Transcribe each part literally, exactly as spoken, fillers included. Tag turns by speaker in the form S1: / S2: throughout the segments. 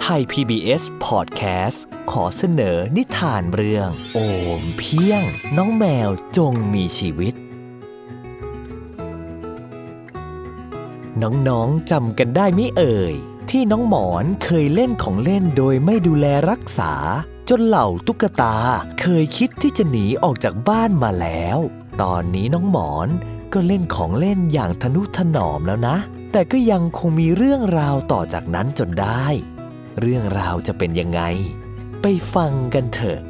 S1: ไทย พี บี เอส Podcast ขอเสนอนิทานเรื่องโอมเพียงน้องแมวจงมีชีวิตน้องๆจำกันได้ไหมเอ่ยที่น้องหมอนเคยเล่นของเล่นโดยไม่ดูแลรักษาจนเหล่าตุ๊กตาเคยคิดที่จะหนีออกจากบ้านมาแล้วตอนนี้น้องหมอนก็เล่นของเล่นอย่างทนุถนอมแล้วนะแต่ก็ยังคงมีเรื่องราวต่อจากนั้นจนได้เรื่องราวจะเป็นยังไงไปฟังกันเถอะ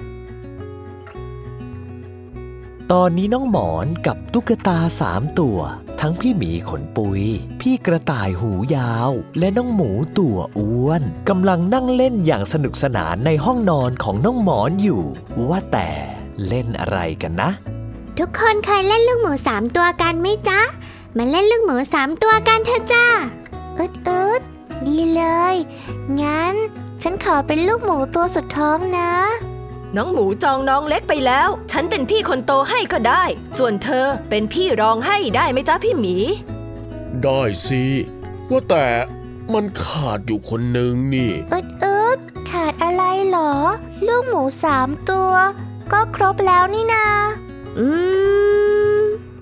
S1: ตอนนี้น้องหมอนกับตุ๊กตาสามตัวทั้งพี่หมีขนปุยพี่กระต่ายหูยาวและน้องหมูตัวอ้วนกำลังนั่งเล่นอย่างสนุกสนานในห้องนอนของน้องหมอนอยู่ว่าแต่เล่นอะไรกันนะ
S2: ทุกคนเคยเล่นลูกหมูสามตัวกันไหมจ๊ะมาเล่นลูกหมูสามตัวกันเถอะจ้าอึดอึดดีเลยงั้นฉันขอเป็นลูกหมูตัวสุดท้องนะ
S3: น้องหมูจองน้องเล็กไปแล้วฉันเป็นพี่คนโตให้ก็ได้ส่วนเธอเป็นพี่รองให้ได้ไหมจ๊ะพี่หมี
S4: ได้สิว่าแต่มันขาดอยู่คนหนึ่งนี่
S2: อึดอึดขาดอะไรหรอลูกหมูสามตัวก็ครบแล้วนี่นาอืม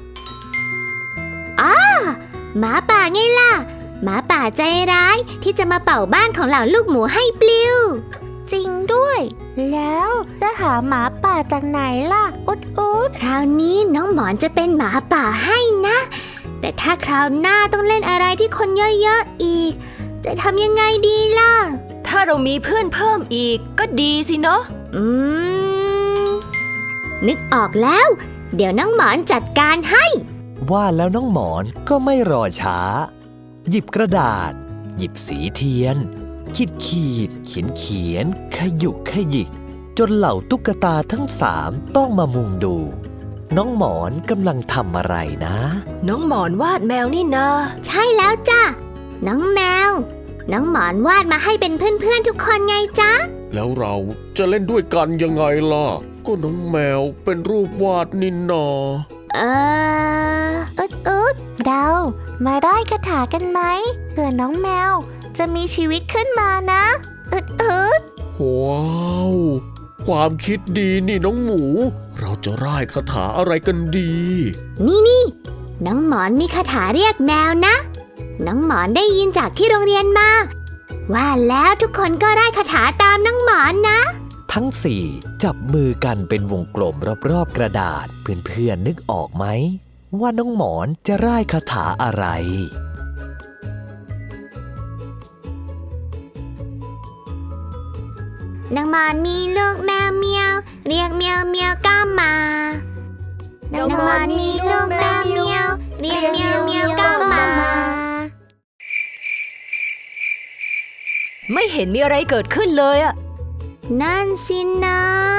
S2: อ้าหมาป่าไงล่ะหมาป่าใจร้ายที่จะมาเป่าบ้านของเหล่าลูกหมูให้ปลิวจริงด้วยแล้วจะหาหมาป่าจากไหนล่ะอุดอุดคราวนี้น้องหมอนจะเป็นหมาป่าให้นะแต่ถ้าคราวหน้าต้องเล่นอะไรที่คนเยอะๆอีกจะทำยังไงดีล่ะ
S3: ถ้าเรามีเพื่อนเพิ่มอีกก็ดีสิเนาะ
S2: อืมนึกออกแล้วเดี๋ยวน้องหมอนจัดการให้
S1: ว่าแล้วน้องหมอนก็ไม่รอช้าหยิบกระดาษหยิบสีเทียนขีดขีดเขียนเขียนขยุกขยิกจนเหล่าตุ๊กตาทั้งสามต้องมามุงดูน้องหมอนกำลังทำอะไรนะ
S3: น้องหมอนวาดแมวนี่นา
S2: ใช่แล้วจ้ะน้องแมวน้องหมอนวาดมาให้เป็นเพื่อนๆทุกคนไงจ๊ะ
S4: แล้วเราจะเล่นด้วยกันยังไงล่ะก็น้องแมวเป็นรูปวาดนินนา
S2: เอออึดอึดเรามาได้คาถากันไหมเผื่อน้องแมวจะมีชีวิตขึ้นมานะอึดอึด
S4: ว้าวความคิดดีนี่น้องหมูเราจะร่ายคาถาอะไรกันดี
S2: นี่นี่น้องหมอนมีคาถาเรียกแมวนะน้องหมอนได้ยินจากที่โรงเรียนมาว่าแล้วทุกคนก็ร่ายคาถาตามน้องหมอนนะ
S1: ทั้งสี่จับมือกันเป็นวงกลมรอบๆกระดาษเพื่อนๆนึกออกไหมว่าน้องหมอนจะร่ายคาถาอะไร
S2: น้องหมอนมีลูกแมวเมียวเรียกเมียวเมียวก็มาน้องหมอนมีลูกแมวเมียวเรียกเมียวเมียวก็มา
S3: ไม่เห็นมีอะไรเกิดขึ้นเลยอะ
S2: นั่นสินะ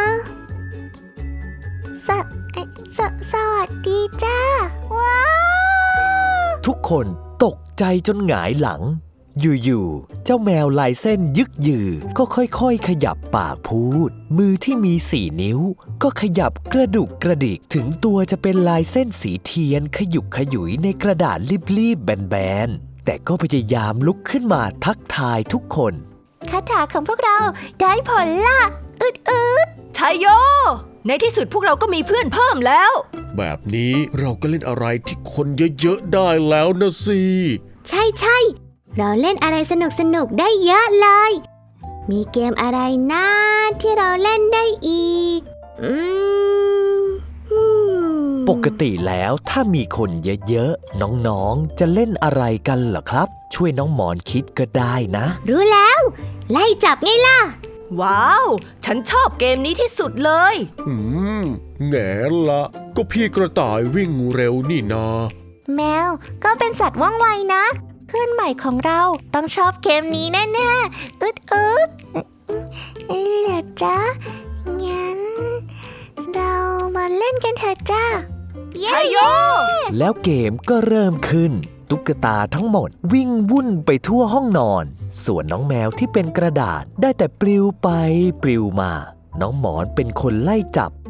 S2: สสสวัสดีจ้าว้าว
S1: ทุกคนตกใจจนหงายหลังอยู่ๆเจ้าแมวลายเส้นยึกยือก็ค่อยๆขยับปากพูดมือที่มีสี่นิ้วก็ขยับกระดุกกระดิกถึงตัวจะเป็นลายเส้นสีเทียนขยุกขยุยในกระดาษรีบๆแบนๆแต่ก็พยายามลุกขึ้นมาทักทายทุกคน
S2: คาถาของพวกเราได้ผลล่ะอึดอึด
S3: ชัยโยในที่สุดพวกเราก็มีเพื่อนเพิ่มแล้ว
S4: แบบนี้เราก็เล่นอะไรที่คนเยอะๆได้แล้วนะสิ
S2: ใช่ใช่เราเล่นอะไรสนุกสนุกได้เยอะเลยมีเกมอะไรนะที่เราเล่นได้อีกอืม
S1: ปกติแล้วถ้ามีคนเยอะๆน้องๆจะเล่นอะไรกันเหรอครับช่วยน้องหมอนคิดก็ได้นะ
S2: รู้แล้วไล่จับไงล่ะ
S3: ว้าวฉันชอบเกมนี้ที่สุดเลย
S4: อืมแง่ละก็พี่กระต่ายวิ่งเร็วนี่นา
S2: แมวก็เป็นสัตว์ว่องไวนะเพื่อนใหม่ของเราต้องชอบเกมนี้แน่ๆอึดอึดเหรอจ๊ะงั้นเรามาเล่นกันเถอะจ้า
S3: เย้โย
S1: แล้วเกมก็เริ่มขึ้นตุ๊กตาทั้งหมดวิ่งวุ่นไปทั่วห้องนอนส่วนน้องแมวที่เป็นกระดาษได้แต่ปลิวไปปลิวมาน้องหมอนเป็นคนไล่จับ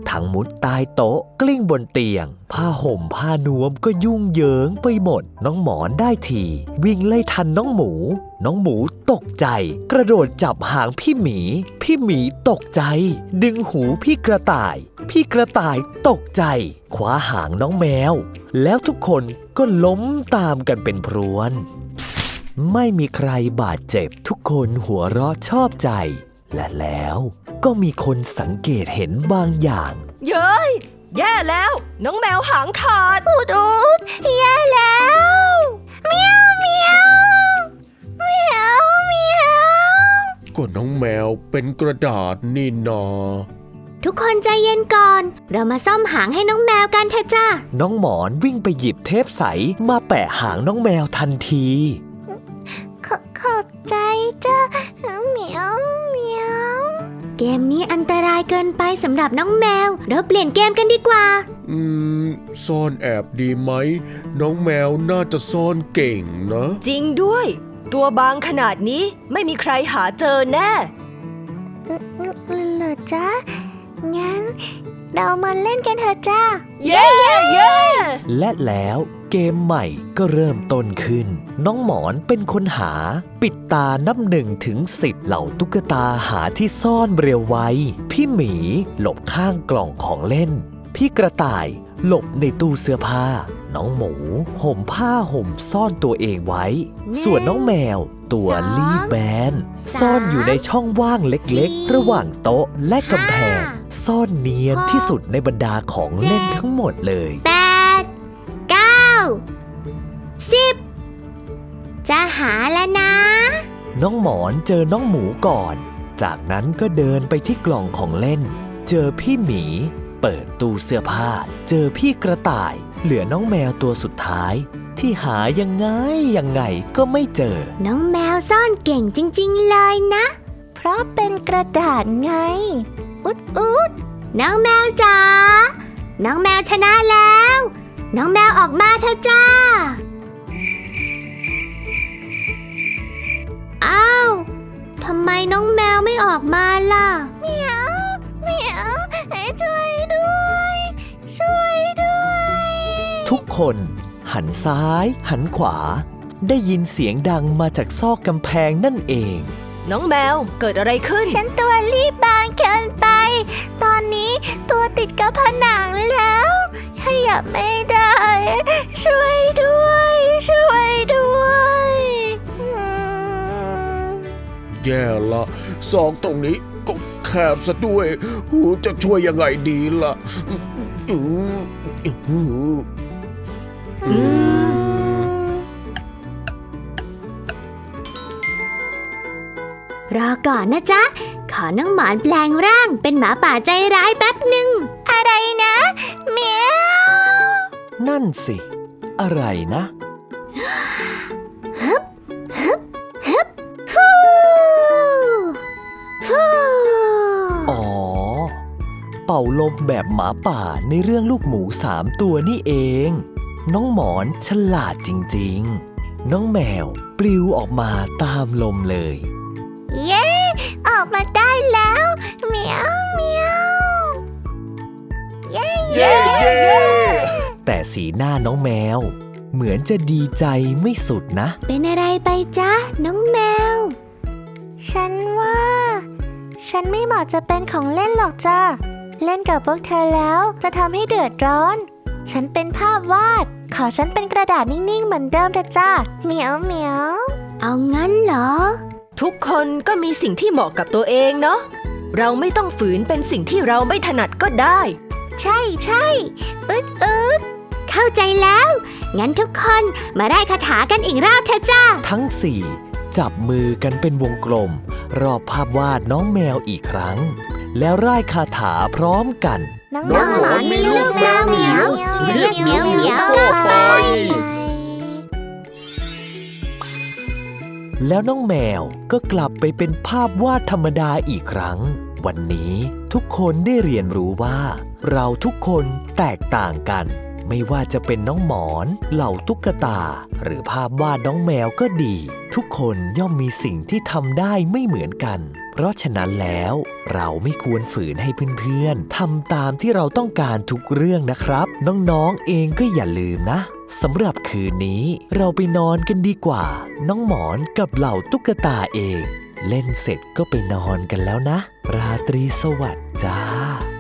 S1: ทั้งมุดใต้โต๊ะกลิ้งบนเตียงผ้าห่มผ้านวมก็ยุ่งเหยิงไปหมดน้องหมอนได้ทีวิ่งไล่ทันน้องหมูน้องหมูตกใจกระโดดจับหางพี่หมีพี่หมีตกใจดึงหูพี่กระต่ายพี่กระต่ายตกใจคว้าหางน้องแมวแล้วทุกคนก็ล้มตามกันเป็นพรวนไม่มีใครบาดเจ็บทุกคนหัวเราะชอบใจและแล้วก็มีคนสังเกตเห็นบางอย่าง
S3: เย้ยแย่แล้วน้องแมวหางขาด
S2: อุดอุดแย่แล้วเมียวเมียวเมียวเมียว
S4: ก็น้องแมวเป็นกระดาษนี่นา
S2: ทุกคนใจเย็นก่อนเรามาซ่อมหางให้น้องแมวกันเถอะจ้า
S1: น้องหมอนวิ่งไปหยิบเทปใสมาแปะหางน้องแมวทันที
S2: ขขอบใจจ้าเหมียวเหมียวเกมนี้อันตรายเกินไปสำหรับน้องแมวเราเปลี่ยนเกมกันดีกว่า
S4: อืมซ่อนแอบดีไหมน้องแมวน่าจะซ่อนเก่งนะ
S3: จริงด้วย ตัวบางขนาดนี้ไม่มีใครหาเจอแน่
S2: เหรอจ้างั้นเรามาเล่นกันเถอะจ้า
S3: เย้เย้เย้
S1: และแล้วเกมใหม่ก็เริ่มต้นขึ้นน้องหมอนเป็นคนหาปิดตานับหนึ่งถึงสิบเหล่าตุ๊กตาหาที่ซ่อนเร็วไวพี่หมีหลบข้างกล่องของเล่นพี่กระต่ายหลบในตู้เสื้อผ้าน้องหมูห่มผ้าห่มซ่อนตัวเองไว้ ส่วนน้องแมวตัวรีบแบนซ่อนอยู่ในช่องว่างเล็กๆ ระหว่างโต๊ะและกำแพงซ่อนเนียนที่สุดในบรรดาของเล่นทั้งหมดเลย
S2: แปดเก้าสิบจะหาแล้วนะ
S1: น้องหมอนเจอน้องหมูก่อนจากนั้นก็เดินไปที่กล่องของเล่นเจอพี่หมีเปิดตู้เสื้อผ้าเจอพี่กระต่ายเหลือน้องแมวตัวสุดท้ายที่หายังไงยังไงก็ไม่เจอ
S2: น้องแมวซ่อนเก่งจริงๆเลยนะ เพราะเป็นกระดาษไง อุดอุดน้องแมวจ๋าน้องแมวชนะแล้ว น้องแมวออกมาเถอะจ้าอ้าวทำไมน้องแมวไม่ออกมาล่ะเหมียวเหมียวช่วยด้วยช่วยด้วย
S1: ทุกคนหันซ้ายหันขวาได้ยินเสียงดังมาจากซอกกำแพงนั่นเอง
S3: น้องแมวเกิดอะไรขึ้น
S2: ฉันตัวรีบบางเกินไป ตอนนี้ตัวติดกับผนังแล้วขยับไม่ได้ ช่วยด้วย ช่วยด้วยอืม
S4: แย่ละซอกตรงนี้ก็แคบซะด้วยหูจะช่วยยังไงดีล่ะอืมอืม
S3: อืม
S2: รอก่อนนะจ๊ะ ขอน้องหมอนแปลงร่างเป็นหมาป่าใจร้ายแป๊บหนึ่ง อะไรนะเมียว
S1: นั่นสิ อะไรนะ
S2: ฮูฮู
S1: อ๋อ เป่าลมแบบหมาป่าในเรื่องลูกหมูสามตัวนี่เอง น้องหมอนฉลาดจริงๆ น้องแมวปลิวออกมาตามลมเลย
S2: เย้ ออกมาได้แล้วเหมียวเหมียวเย้
S3: เย้เย้
S1: แต่สีหน้าน้องแมว เหมือนจะดีใจไม่สุดนะ
S2: เป็นอะไรไปจ๊ะน้องแมว ฉันว่า ฉันไม่เหมาะจะเป็นของเล่นหรอกจ้าเล่นกับพวกเธอแล้วจะทำให้เดือดร้อน ฉันเป็นภาพวาด ขอฉันเป็นกระดาษนิ่งๆเหมือนเดิมเถอะจ้าเหมียวเหมียวเอางั้นเหรอ
S3: ทุกคนก็มีสิ่งที่เหมาะกับตัวเองเนาะเราไม่ต้องฝืนเป็นสิ่งที่เราไม่ถนัดก็ได้
S2: ใช่ใช่อึดอึดเข้าใจแล้ว งั้นทุกคนมาได้คาถากันอีกรอบเถอะจ้า
S1: ทั้งสี่จับมือกันเป็นวงกลม รอบภาพวาดน้องแมวอีกครั้ง แล้วร่ายคาถาพร้อมกัน
S2: น้องหมอนมีลูกแมวเหมียวเรียกเหมียวเหมียว
S4: ก็ไป
S1: แล้วน้องแมวก็กลับไปเป็นภาพวาดธรรมดาอีกครั้ง วันนี้ทุกคนได้เรียนรู้ว่า เราทุกคนแตกต่างกัน ไม่ว่าจะเป็นน้องหมอนเหล่าตุ๊กตา หรือภาพวาดน้องแมวก็ดี ทุกคนย่อมมีสิ่งที่ทำได้ไม่เหมือนกันเพราะฉะนั้นแล้วเราไม่ควรฝืนให้เพื่อนๆทำตามที่เราต้องการทุกเรื่องนะครับน้องๆเองก็อย่าลืมนะสำหรับคืนนี้เราไปนอนกันดีกว่าน้องหมอนกับเหล่าตุ๊กตาเองเล่นเสร็จก็ไปนอนกันแล้วนะราตรีสวัสดิ์จ้า